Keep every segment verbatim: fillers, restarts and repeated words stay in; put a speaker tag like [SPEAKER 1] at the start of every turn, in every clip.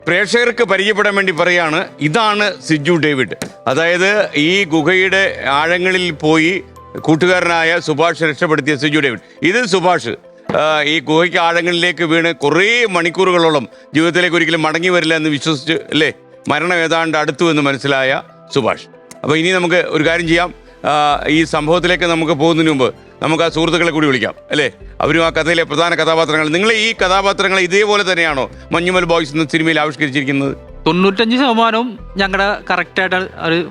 [SPEAKER 1] പ്രേക്ഷകർക്ക് പരിചയപ്പെടാൻ വേണ്ടി പറയാണ്, ഇതാണ് സിജു ഡേവിഡ്. അതായത് ഈ ഗുഹയുടെ ആഴങ്ങളിൽ പോയി കൂട്ടുകാരനായ സുഭാഷ് രക്ഷപ്പെടുത്തിയ സിജു ഡേവിഡ്. ഇത് സുഭാഷ് ഈ ഗുഹയ്ക്ക് ആഴങ്ങളിലേക്ക് വീണ് കുറേ മണിക്കൂറുകളോളം ജീവിതത്തിലേക്ക് ഒരിക്കലും മടങ്ങി വരില്ല എന്ന് വിശ്വസിച്ച് അല്ലേ, മരണം ഏതാണ്ട് അടുത്തു എന്ന് മനസ്സിലായ സുഭാഷ്. അപ്പോൾ ഇനി നമുക്ക് ഒരു കാര്യം ചെയ്യാം, ഈ സംഭവത്തിലേക്ക് നമുക്ക് പോകുന്നതിന് മുമ്പ് നമുക്ക് ആ സുഹൃത്തുക്കളെ കൂടി വിളിക്കാം അല്ലേ. അവരും ആ കഥയിലെ പ്രധാന കഥാപാത്രങ്ങൾ. നിങ്ങൾ ഈ കഥാപാത്രങ്ങൾ ഇതേപോലെ തന്നെയാണോ മഞ്ഞുമൽ ബോയ്സ് എന്ന സിനിമയിൽ ആവിഷ്കരിച്ചിരിക്കുന്നത്?
[SPEAKER 2] തൊണ്ണൂറ്റഞ്ച് ശതമാനവും ഞങ്ങളുടെ കറക്റ്റ് ആയിട്ട്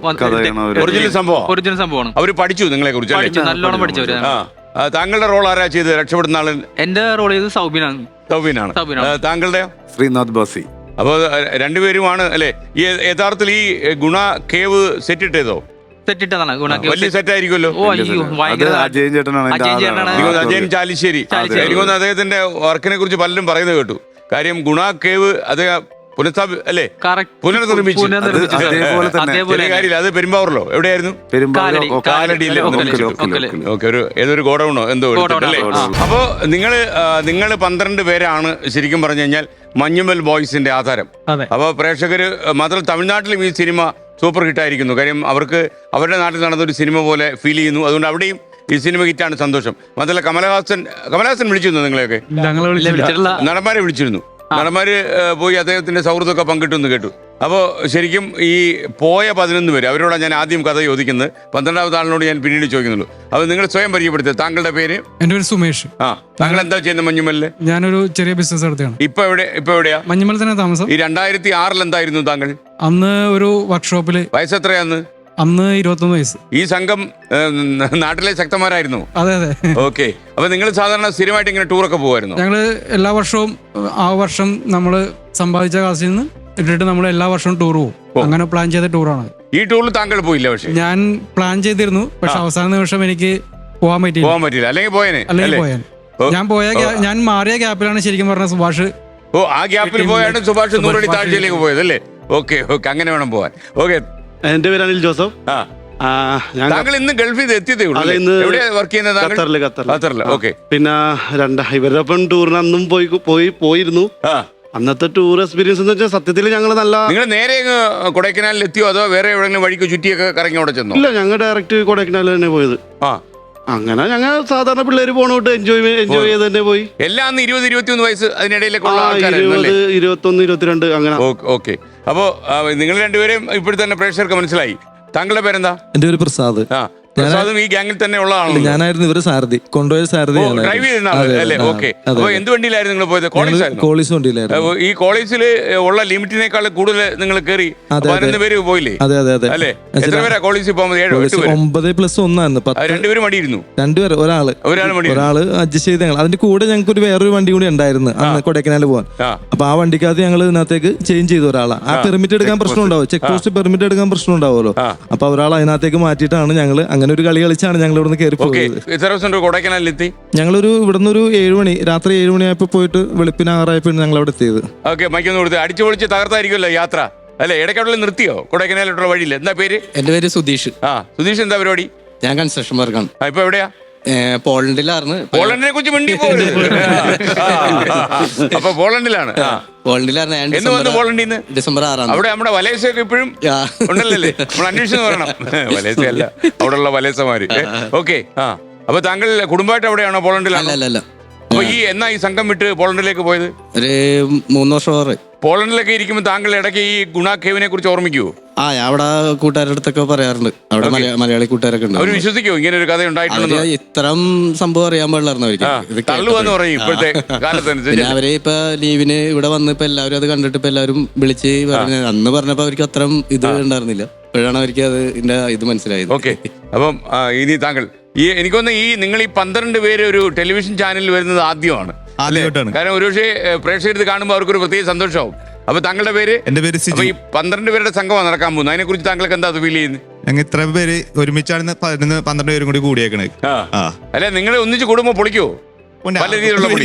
[SPEAKER 1] ഒറിജിനൽ സംഭവം
[SPEAKER 2] ഒറിജിനൽ സംഭവമാണ്.
[SPEAKER 1] അവർ പഠിച്ചു നിങ്ങളെ കുറിച്ച്, നല്ലോണം
[SPEAKER 2] പഠിച്ചവര്.
[SPEAKER 1] താങ്കളുടെ റോൾ ആരാ ചെയ്ത് രക്ഷപ്പെടുന്ന ആള്?
[SPEAKER 2] എന്റെ റോൾ ചെയ്ത് സൗബിനാണ്.
[SPEAKER 1] സൗബിനാണ്. താങ്കളുടെ?
[SPEAKER 3] ശ്രീനാഥ് ബാസി.
[SPEAKER 1] അപ്പോൾ രണ്ടുപേരുമാണ് അല്ലേ. ഈ യഥാർത്ഥത്തിൽ ഈ ഗുണ കേവ് സെറ്റ് ഇട്ടേതോ?
[SPEAKER 2] സെറ്റിട്ടതാണ്.
[SPEAKER 1] വലിയ സെറ്റ് ആയിരിക്കുമല്ലോ.
[SPEAKER 3] അജയൻ ചേട്ടനാണ്.
[SPEAKER 1] അജയൻ ചാലിശ്ശേരി. എനിക്കൊന്ന് അദ്ദേഹത്തിന്റെ വർക്കിനെ കുറിച്ച് പലരും പറയുന്നത് കേട്ടു. കാര്യം ഗുണ കേവ് അദ്ദേഹം പുനഃസ്ഥാപി അല്ലേ, പുനർനിർമ്മിച്ചു. കാര്യമില്ല, അത് പെരുമ്പാവൂരിലോ എവിടെയായിരുന്നു? കാലടിയിലെ ഒരു ഏതൊരു ഗോഡൌണോ എന്തോ അല്ലേ. അപ്പോ നിങ്ങള് നിങ്ങള് പന്ത്രണ്ട് പേരാണ് ശരിക്കും പറഞ്ഞു കഴിഞ്ഞാൽ മഞ്ഞുമൽ ബോയ്സിന്റെ ആധാരം. അപ്പൊ പ്രേക്ഷകര് മാത്രം തമിഴ്നാട്ടിലും ഈ സിനിമ സൂപ്പർ ഹിറ്റായിരിക്കുന്നു. കാര്യം അവർക്ക് അവരുടെ നാട്ടിൽ നടന്നൊരു സിനിമ പോലെ ഫീൽ ചെയ്യുന്നു. അതുകൊണ്ട് അവിടെയും ഈ സിനിമ ഹിറ്റാണ്, സന്തോഷം. മാത്രമല്ല കമലഹാസൻ കമലഹാസൻ വിളിച്ചിരുന്നു നിങ്ങളെയൊക്കെ? നടന്മാരെ വിളിച്ചിരുന്നു. നടന്മാര് പോയി അദ്ദേഹത്തിന്റെ സൗഹൃദമൊക്കെ പങ്കിട്ടെന്ന് കേട്ടു. അപ്പോൾ ശരിക്കും ഈ പോയ പതിനൊന്ന് പേര് അവരോടാണ് ഞാൻ ആദ്യം കഥ ചോദിക്കുന്നത്. പന്ത്രണ്ടാമത്തെ ആളിനോട് ഞാൻ പിന്നീട് ചോദിക്കുന്നുള്ളൂ. അപ്പോൾ നിങ്ങൾ സ്വയം പരിചയപ്പെടുത്തുക. താങ്കളുടെ പേര്?
[SPEAKER 4] എൻ്റെ പേര് സുമേഷ്.
[SPEAKER 1] ആ, താങ്കൾ എന്താ ചെയ്യുന്നത് മഞ്ഞുമലില്?
[SPEAKER 4] ഞാനൊരു ചെറിയ ബിസിനസ് നടത്തുകയാണ്.
[SPEAKER 1] ഇപ്പൊ എവിടെ ഇപ്പൊ എവിടെയാ?
[SPEAKER 4] മഞ്ഞുമൽ തന്നെ താമസം.
[SPEAKER 1] ഈ രണ്ടായിരത്തി ആറിൽ എന്തായിരുന്നു താങ്കൾ?
[SPEAKER 4] അന്ന് ഒരു വർക്ക്ഷോപ്പില്.
[SPEAKER 1] വയസ്സെത്രയാന്ന്?
[SPEAKER 4] അന്ന് ഇരുപത്തൊന്ന് വയസ്സ്.
[SPEAKER 1] ഈ സംഘം നാട്ടിലെ ശക്തന്മാരായിരുന്നു?
[SPEAKER 4] അതെ അതെ.
[SPEAKER 1] ഓക്കെ. അപ്പൊ നിങ്ങൾ സാധാരണ സ്ഥിരമായിട്ട് ഇങ്ങനെ ടൂറൊക്കെ പോകുമായിരുന്നു?
[SPEAKER 4] ഞങ്ങള് എല്ലാ വർഷവും ആ വർഷം നമ്മള് സമ്പാദിച്ച കാശിൽ നിന്ന് ഇട്ടിട്ട് നമ്മൾ എല്ലാ വർഷവും ടൂർ പോകും. അങ്ങനെ പ്ലാൻ ചെയ്ത ടൂറാണ്.
[SPEAKER 1] ഈ ടൂറിൽ താങ്കൾ പോയില്ല? പക്ഷേ ഞാൻ
[SPEAKER 4] പ്ലാൻ ചെയ്തിരുന്നു, പക്ഷെ അവസാന നിമിഷം എനിക്ക് പോകാൻ പറ്റില്ല.
[SPEAKER 1] പോകാൻ പറ്റില്ല അല്ലെങ്കിൽ പോയനെ?
[SPEAKER 4] അല്ലെങ്കിൽ പോയാൻ ഞാൻ പോയ ഞാൻ മാറിയ ഗ്യാപ്പിലാണ് ശരിക്കും പറഞ്ഞ സുഭാഷ്.
[SPEAKER 1] ഓ, ആ ഗ്യാപ്പിൽ പോയാണ് സുഭാഷ് നൂറടി താഴ്ചയിലേക്ക് പോയത് അല്ലേ? ഓക്കെ ഓക്കെ, അങ്ങനെ വേണം പോവാൻ. ഓക്കെ.
[SPEAKER 5] എന്റെ പേര് അനിൽ ജോസഫ്.
[SPEAKER 1] താങ്കൾ ഇന്ന് ഗൾഫിൽ നിന്ന് എത്തിയതേ ഉള്ളൂ? എവിടെ വർക്ക് ചെയ്യുന്നത്?
[SPEAKER 5] പിന്നെ രണ്ടാ ഇവരുടെ ഒപ്പം ടൂറിന് അന്നും പോയി പോയി പോയിരുന്നു. അന്നത്തെ ടൂർ എക്സ്പീരിയൻസ് എന്ന് വെച്ചാൽ സത്യത്തിൽ ഞങ്ങൾ നല്ല. നിങ്ങൾ
[SPEAKER 1] നേരെ കൊടൈക്കനാലിൽ എത്തിയോ അതോ വേറെ എവിടെയെങ്കിലും വഴിക്ക് ചുറ്റിയൊക്കെ കറങ്ങി അവിടെ ചെന്നോ?
[SPEAKER 5] ഇല്ല, ഞങ്ങൾ ഡയറക്റ്റ് കൊടൈക്കനാലിൽ തന്നെ പോയത്.
[SPEAKER 1] ആ,
[SPEAKER 5] അങ്ങനെ ഞങ്ങൾ സാധാരണ പിള്ളേര് പോണോട്ട് എൻജോയ് എൻജോയ് ചെയ്ത് തന്നെ പോയി.
[SPEAKER 1] എല്ലാം ഇരുപത് ഇരുപത്തിയൊന്ന് വയസ്സ് അതിനിടയിലൊക്കെ
[SPEAKER 5] ഇരുപത് ഇരുപത്തൊന്ന് ഇരുപത്തിരണ്ട് അങ്ങനെ.
[SPEAKER 1] ഓക്കെ. അപ്പോ നിങ്ങൾ രണ്ടുപേരും ഇപ്പോഴും തന്നെ പ്രേക്ഷകർക്ക് മനസ്സിലായി. താങ്കളുടെ പേരെന്താ?
[SPEAKER 6] എന്റെ പേര് പ്രസാദ്.
[SPEAKER 1] ആ, പ്രസാദും ഈ ഗ്യാങ്ങിൽ തന്നെ ഉള്ളതാണ്.
[SPEAKER 6] ഞാനായിരുന്നു ഇവര് സാരഥി, കൊണ്ടുപോയ സാരഥി.
[SPEAKER 1] ഡ്രൈവ് ചെയ്യുന്ന ഓക്കെ. അപ്പൊ എന്ത് വണ്ടിയിലായിരുന്നു നിങ്ങൾ പോയത്?
[SPEAKER 6] കോളേജ് വണ്ടിയിലായിരുന്നു.
[SPEAKER 1] ഈ കോളേജിൽ ഉള്ള ലിമിറ്റിനേക്കാൾ കൂടുതൽ നിങ്ങൾ കയറി പതിനൊന്ന് പേര് പോയില്ലേ?
[SPEAKER 6] അതെ അതെ അതെ.
[SPEAKER 1] അല്ലെ, എത്ര പേരാ കോളേജിൽ പോകുമ്പോൾ? ഏഴ്
[SPEAKER 6] ഒമ്പത് പ്ലസ് ഒന്നായിരുന്നു.
[SPEAKER 1] രണ്ടുപേരും മടിയിരുന്നു.
[SPEAKER 6] രണ്ടുപേർ ഒരാള് ഒരാള് അഡ്ജസ്റ്റ് ചെയ്ത് ഞങ്ങൾ. അതിന്റെ കൂടെ ഞങ്ങൾക്ക് ഒരു വേറൊരു വണ്ടി കൂടി ഉണ്ടായിരുന്നു അന്ന് കൊടൈക്കനാല് പോകാൻ. അപ്പൊ ആ വണ്ടിക്കകത്ത് ഞങ്ങൾ ഇതിനകത്തേക്ക് ചേഞ്ച് ചെയ്തു ഒരാളെ. ആ പെർമിറ്റ് എടുക്കാൻ പ്രശ്നം ഉണ്ടാവും, ചെക്ക് പോസ്റ്റ് പെർമിറ്റ് എടുക്കാൻ പ്രശ്നം ഉണ്ടാവുമല്ലോ. അപ്പൊ ഒരാൾ അതിനകത്തേക്ക് മാറ്റിയിട്ടാണ് ഞങ്ങൾ അങ്ങനെ ഒരു കളി കളിച്ചാണ് ഞങ്ങൾ ഇവിടുന്ന് കയറി പോയത്.
[SPEAKER 1] കൊടൈക്കനാലിലെത്തി
[SPEAKER 6] ഞങ്ങളൊരു ഇവിടുന്ന് ഒരു ഏഴ് മണി രാത്രി ഏഴ് മണിയായപ്പോ പോയിട്ട് വെളുപ്പിന് ആറായപ്പോ ഞങ്ങൾ അവിടെ എത്തിയത്.
[SPEAKER 1] ഓക്കെ, മൈക്കൊന്ന് കൊടുത്ത് അടിച്ചു പൊളിച്ച് തകർത്തായിരിക്കുമല്ലോ യാത്ര അല്ലെ? ഇടയ്ക്കവിടെ നിർത്തിയോ കൊടൈക്കനാലിലുള്ള വഴിയിൽ? എന്താ പേര്?
[SPEAKER 7] എന്റെ പേര് സുധീഷ്.
[SPEAKER 1] ആ, സുധീഷ് എന്താ പരിപാടി?
[SPEAKER 7] ഞാൻ കൺസ്ട്രക്ഷൻ വർക്കാണ്.
[SPEAKER 1] ഇപ്പൊ എവിടെയാ?
[SPEAKER 7] പോളണ്ടിലായിരുന്നു.
[SPEAKER 1] പോളണ്ടിനെ കുറിച്ച് മിണ്ടി പോകരുത്. അപ്പൊ പോളണ്ടിലാണ്.
[SPEAKER 7] പോളണ്ടിലായിരുന്നു.
[SPEAKER 1] പോളണ്ടിൽ നിന്ന്
[SPEAKER 7] ഡിസംബർ ആറാം.
[SPEAKER 1] അവിടെ നമ്മുടെ വലേസയൊക്കെ ഇപ്പോഴും ഉണ്ടല്ലേ? നമ്മൾ അന്വേഷിച്ചു പറയണം. വലേസയല്ല, അവിടെ ഉള്ള വലേസമാര്. ഓക്കെ. ആ, അപ്പൊ താങ്കൾ കുടുംബമായിട്ട് അവിടെയാണോ? പോളണ്ടിലാണ്?
[SPEAKER 7] അല്ല.
[SPEAKER 1] അപ്പൊ ഈ എന്നാ ഈ സംഘം വിട്ട് പോളണ്ടിലേക്ക് പോയത്?
[SPEAKER 7] ഒരു മൂന്ന് വർഷം.
[SPEAKER 1] പോളണ്ടിലൊക്കെ ഇരിക്കുമ്പോൾ താങ്കൾ ഇടയ്ക്ക് ഈ ഗുണ കേവിനെ കുറിച്ച് ഓർമ്മിക്കുവോ?
[SPEAKER 7] ആ, ഞാൻ അവിടെ കൂട്ടുകാരുടെ അടുത്തൊക്കെ പറയാറുണ്ട്. അവിടെ മലയാളി കൂട്ടുകാരൊക്കെ ഉണ്ട്.
[SPEAKER 1] അവർ വിശ്വസിക്കുമോ ഇങ്ങനെ ഒരു കഥ ഉണ്ടായിട്ടുണ്ട്?
[SPEAKER 7] ഇത്തരം സംഭവം അറിയാൻ പാടില്ലായിരുന്നു അവർക്ക്.
[SPEAKER 1] തള്ളുവെന്ന് പറയും ഇപ്പോഴത്തെ കാലത്തനുസരിച്ച്.
[SPEAKER 7] അവര് ഇപ്പൊ ലീവിന് ഇവിടെ വന്ന് ഇപ്പൊ എല്ലാവരും അത് കണ്ടിട്ട് ഇപ്പൊ എല്ലാവരും വിളിച്ച് പറഞ്ഞ അന്ന് പറഞ്ഞപ്പോ അവർക്ക് അത്രയും ഇത് ഉണ്ടായിരുന്നില്ല. ഇപ്പോഴാണ് അവർക്ക് അത് ഇതിന്റെ ഇത് മനസ്സിലായത്.
[SPEAKER 1] ഓക്കെ. അപ്പം ഇനി താങ്കൾ ഈ എനിക്കൊന്ന് ഈ നിങ്ങൾ ഈ പന്ത്രണ്ട് പേര് ഒരു ടെലിവിഷൻ ചാനലിൽ വരുന്നത് ആദ്യമാണ്. കാരണം ഒരുപക്ഷെ പ്രേക്ഷകർ കാണുമ്പോൾ അവർക്കൊരു പ്രത്യേക സന്തോഷമാവും. അപ്പൊ താങ്കളുടെ പേര്?
[SPEAKER 8] എന്റെ പേര് സിജു.
[SPEAKER 1] ഈ പന്ത്രണ്ട് പേരുടെ സംഘമാണ് നടക്കാൻ പോകുന്നത്. അതിനെ കുറിച്ച് താങ്കൾക്ക് എന്താ ഫീൽ ചെയ്യുന്നത്?
[SPEAKER 8] ഞങ്ങൾ ഇത്ര പേര് ഒരുമിച്ചാണ് പതിനൊന്ന് പന്ത്രണ്ട് പേരും കൂടി കൂടിയേക്കണേ.
[SPEAKER 1] അല്ലെ, നിങ്ങൾ ഒന്നിച്ച് കൂടുമ്പോ പൊളിക്കുവോ? പല രീതിയിലുള്ള പൊളി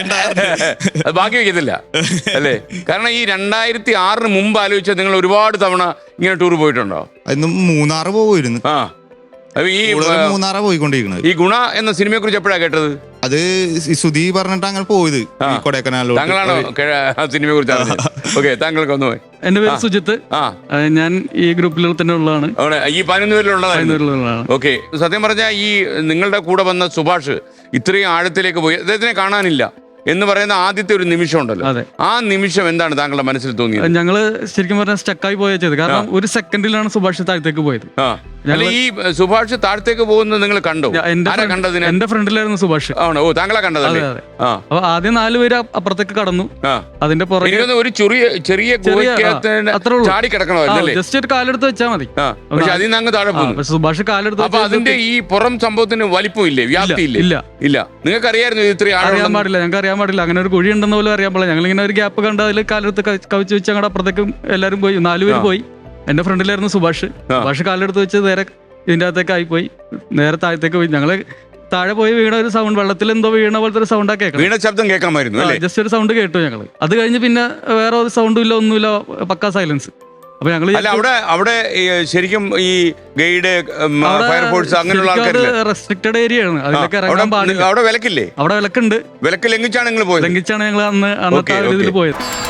[SPEAKER 1] അത് ബാക്കി വെക്കത്തില്ല അല്ലേ? കാരണം ഈ രണ്ടായിരത്തി ആറിന് മുമ്പ് ആലോചിച്ചാൽ നിങ്ങൾ ഒരുപാട് തവണ ഇങ്ങനെ ടൂർ പോയിട്ടുണ്ടോ?
[SPEAKER 8] ഇന്ന് മൂന്നാറ് പോകുമായിരുന്നു.
[SPEAKER 1] ആ, ഈ
[SPEAKER 8] മൂന്നാറ് പോയിക്കൊണ്ടിരിക്കുന്നത്.
[SPEAKER 1] ഈ ഗുണ എന്ന സിനിമയെ കുറിച്ച് എപ്പോഴാണ് കേട്ടത്?
[SPEAKER 8] അത് ഈ സുധി പറഞ്ഞിട്ട് അങ്ങനെ പോയത്
[SPEAKER 1] ആ.
[SPEAKER 8] ഈ കൊടൈക്കനാലിലോട്ട്.
[SPEAKER 1] താങ്കളാണോ സിനിമയെ കുറിച്ച് അറിഞ്ഞത്? ഓക്കെ, താങ്കൾക്ക് ഒന്ന് പോയി.
[SPEAKER 4] എന്റെ പേര് സുജിത്ത്.
[SPEAKER 1] ആ
[SPEAKER 4] ആ, ഞാൻ ഈ ഗ്രൂപ്പിൽ തന്നെ ഉള്ളതാണ്.
[SPEAKER 1] അവിടെ ഈ പതിനൊന്ന് പേരിലുള്ളതായിരുന്നു.
[SPEAKER 4] പതിനൊന്നിലുള്ളതാണ്.
[SPEAKER 1] ഓക്കെ, സത്യം പറഞ്ഞാൽ ഈ നിങ്ങളുടെ കൂടെ വന്ന സുഭാഷ് ഇത്രയും ആഴത്തിലേക്ക് പോയി, അദ്ദേഹത്തിനെ കാണാനില്ല എന്ന് പറയുന്ന ആദ്യത്തെ ഒരു നിമിഷം ഉണ്ടല്ലോ,
[SPEAKER 4] അതെ.
[SPEAKER 1] ആ നിമിഷം എന്താണ് താങ്കളുടെ മനസ്സിൽ തോന്നിയത്?
[SPEAKER 4] ഞങ്ങള് ശരിക്കും പറഞ്ഞാൽ സ്റ്റക്കായി പോയ ചെയ്ത്, കാരണം ഒരു സെക്കൻഡിലാണ് സുഭാഷ് താഴത്തേക്ക് പോയത്.
[SPEAKER 1] ആ അല്ല, ഈ സുഭാഷ് താഴത്തേക്ക് പോകുന്നത് നിങ്ങൾ കണ്ടോ?
[SPEAKER 4] എന്റെ
[SPEAKER 1] ആരാ കണ്ടതിന്?
[SPEAKER 4] എന്റെ ഫ്രണ്ടിലായിരുന്നു സുഭാഷ്.
[SPEAKER 1] ആണോ? ഓ, താങ്കളെ കണ്ടതല്ലേ?
[SPEAKER 4] അതെ, അതെ.
[SPEAKER 1] ആ
[SPEAKER 4] അപ്പൊ ആദ്യം നാല് പേര് അപ്പുറത്തേക്ക് കടന്നു.
[SPEAKER 1] ആ.
[SPEAKER 4] അതിന്റെ പുറകെ
[SPEAKER 1] എനിക്കൊന്ന് ഒരു ചെറിയ ചെറിയ ഗുഹയ്ക്കകത്ത്
[SPEAKER 4] അത്രേ ഉള്ളൂ.
[SPEAKER 1] ചാടി കിടക്കണമല്ലേ?
[SPEAKER 4] ജസ്റ്റ് ഒരു കാലെടുത്ത് വെച്ചാൽ മതി.
[SPEAKER 1] ആ, പക്ഷെ അതിൽ നിന്ന് അങ്ങ് താഴെ
[SPEAKER 4] ആ,
[SPEAKER 1] പോകുന്നു.
[SPEAKER 4] പക്ഷെ സുഭാഷ് കാലെടുത്ത്
[SPEAKER 1] അപ്പൊ അതിന്റെ ഈ പുറം സംഭവത്തിന് വലിപ്പമില്ലേ, വ്യാപ്തിയില്ലേ?
[SPEAKER 4] ഇല്ല.
[SPEAKER 1] ഇല്ല. നിങ്ങൾക്ക് അറിയായിരുന്നു ഇത് ഇത്രയും
[SPEAKER 4] അറിയാൻ
[SPEAKER 1] ആഴം?
[SPEAKER 4] പാടില്ല, ഞങ്ങൾക്ക് അറിയാൻ പാടില്ല. അങ്ങനെ ഒരു കുഴി ഉണ്ടെന്ന് പോലും അറിയാൻ പാടില്ല. ഞങ്ങൾ ഇങ്ങനെ ഒരു ഗ്യാപ്പ് കണ്ട് അതിൽ കാലെടുത്ത് ക- കവിച്ച് വെച്ച് അങ്ങോട്ട് അപ്പുറത്തേക്ക് എല്ലാവരും പോയി. നാലുപേര് പോയി. എന്റെ ഫ്രണ്ടിലായിരുന്നു സുഭാഷ്. സുഭാഷ് കാലെടുത്ത് വെച്ച് നേരെ ഇതിന്റെ അകത്തേക്ക് ആയിപ്പോയി, നേരെ താഴത്തേക്ക് പോയി. ഞങ്ങള് താഴെ പോയി വീണ ഒരു സൗണ്ട്, വെള്ളത്തിൽ എന്തോ വീണ പോലത്തെ ഒരു സൗണ്ടാ കേൾക്കണം.
[SPEAKER 1] വീണ ശബ്ദം കേൾക്കാമായിരുന്നു അല്ലേ?
[SPEAKER 4] ജസ്റ്റ് ഒരു സൗണ്ട് കേട്ടു ഞങ്ങള്. അത് കഴിഞ്ഞ് പിന്നെ വേറെ ഒരു സൗണ്ടും ഇല്ല, ഒന്നുമില്ല, പക്കാ സൈലൻസ്. അപ്പൊ ഞങ്ങള്
[SPEAKER 1] അല്ല, അവിടെ അവിടെ ഈ ശരിക്കും ഈ ഗൈഡ്, ഫയർഫോഴ്സ് അങ്ങനെയുള്ള ആൾക്കാരില്ലേ?
[SPEAKER 4] റെസ്ട്രിക്റ്റഡ് ഏരിയ ആണ്, അതിലൊക്കെ
[SPEAKER 1] അവിടെ
[SPEAKER 4] ഇറങ്ങാൻ പാടില്ല.
[SPEAKER 1] അവിടെ വിലക്കില്ലേ?
[SPEAKER 4] അവിടെ വിലക്കുണ്ട്.
[SPEAKER 1] വിലക്ക് ലംഘിച്ചാണ് നിങ്ങൾ പോയത്?
[SPEAKER 4] ലംഘിച്ചാണ് ഞങ്ങൾ അന്ന് അന്നത്തെ
[SPEAKER 1] ഓക്കേ,
[SPEAKER 4] ഇതിൽ
[SPEAKER 1] ഓക്കേ.
[SPEAKER 4] പോയത്.